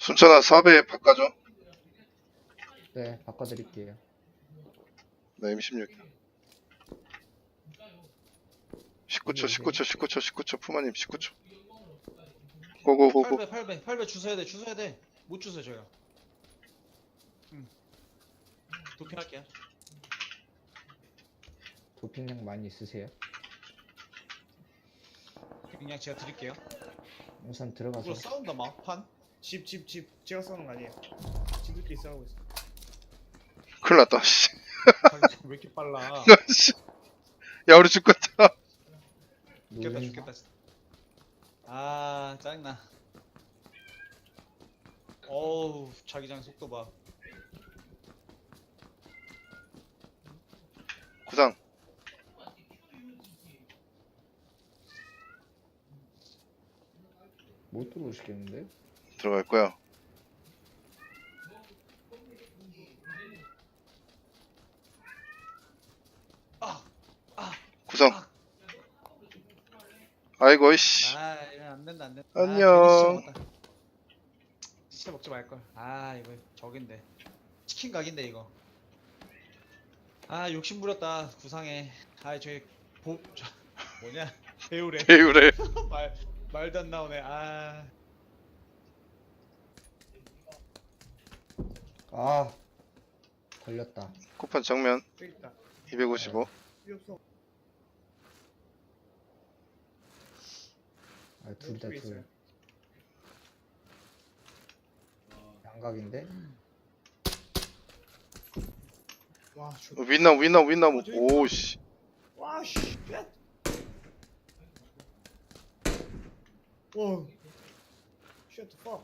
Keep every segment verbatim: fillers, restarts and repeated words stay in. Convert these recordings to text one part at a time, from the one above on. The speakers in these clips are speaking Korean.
순천아 사배 바꿔줘. 네, 바꿔드릴게요. 나 엠 십육. 십구 초, 십구 초, 십구 초, 십구 초, 푸마님 십구 초. 고고고고. 팔 배 팔 배 팔 배 주워야 돼 주워야 돼못 주워 저요. 응. 도핑할게요. 도핑량 많이 있으세요? 그냥 제가 드릴게요. 우선 들어가서. 이거 싸운다 막판. 집, 집, 집. 제가 싸우는 거 아니에요. 집들끼리 싸우고 있어. 큰일 났다, 씨. 왜 이렇게 빨라? 씨. 야, 우리 죽겠다. 죽겠다 노잼- 죽겠다. 아 짜증나. 어우 자기장 속도 봐. 구상. 못 들어오시겠는데? 들어갈 거야. 아, 아, 구상. 아. 아이고, 이씨. 아 이거 안 된다 안 된다. 안녕. 아, 괜히 시체 먹었다. 시체 먹지 말 걸. 아 이거 저긴데. 치킨 각인데 이거. 아 욕심 부렸다 구상해. 아 저기 보 저, 뭐냐 배우래. 배우래. 말 말도 안 나오네. 아 아, 걸렸다. 쿠판 정면 저기 있다. 이백오십오. 필요 없어. 아, 둘이다, 여기 둘. 있어요. 양각인데? 와, 저. 어, 윗나무, 윗나무, 윗나무. 오, 씨. 와, 씨. 쉣. 와. Shut the fuck.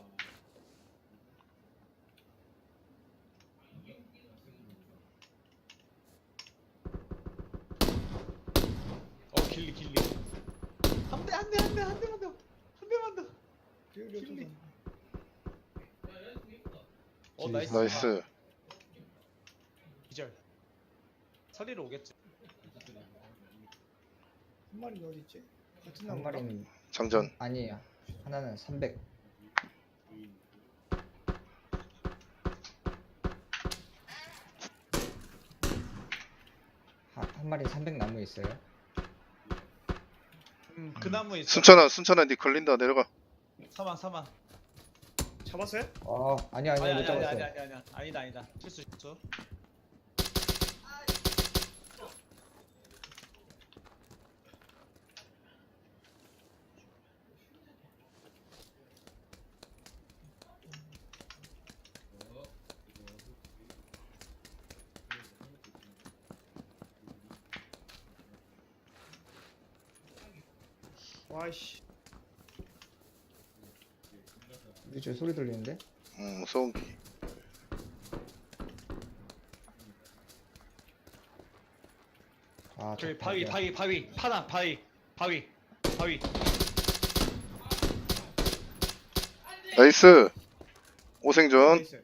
어 길리 길리. 한 대 한 대 한 대 한 대만 더. 한 대만 더. 여기 길리. 어디 어 나이스. 나이스. 기절. 서리로 오겠지. 한 마리 어디 있지? 같은 한 나무인가? 마리는 장전. 아니에요. 하나는 삼백. 한, 한 마리 삼백 나무에 있어요. 음, 그 나무에 있어. 순천아, 순천아, 니 걸린다. 내려가. 사망 사망. 잡았어요? 아, 아니 아니 아니 못 아니 아니 잡았어요. 아니 아니 아니 아니다 아니다. 실수 실수. 와, 씨. 이제 소리 들리는데? 음, 소음기. 아, 저기 저 바위 닭이야. 바위 바위 파나 바위 바위 바위. 나이스. 오생존. 나이스.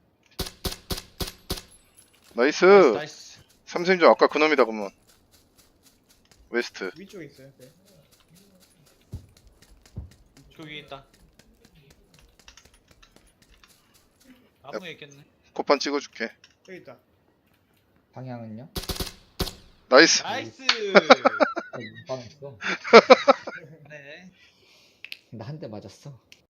나이스. 나이스. 삼생존 아까 그놈이다, 그러면. 웨스트. 위쪽에 있어요. 네. 저기 위에 있다. 나무에 있겠네. 코판 찍어줄게. 저기 있다. 방향은요? 나이스. 나이스. 아, 못 방했어. 네. 나 한 대 맞았어.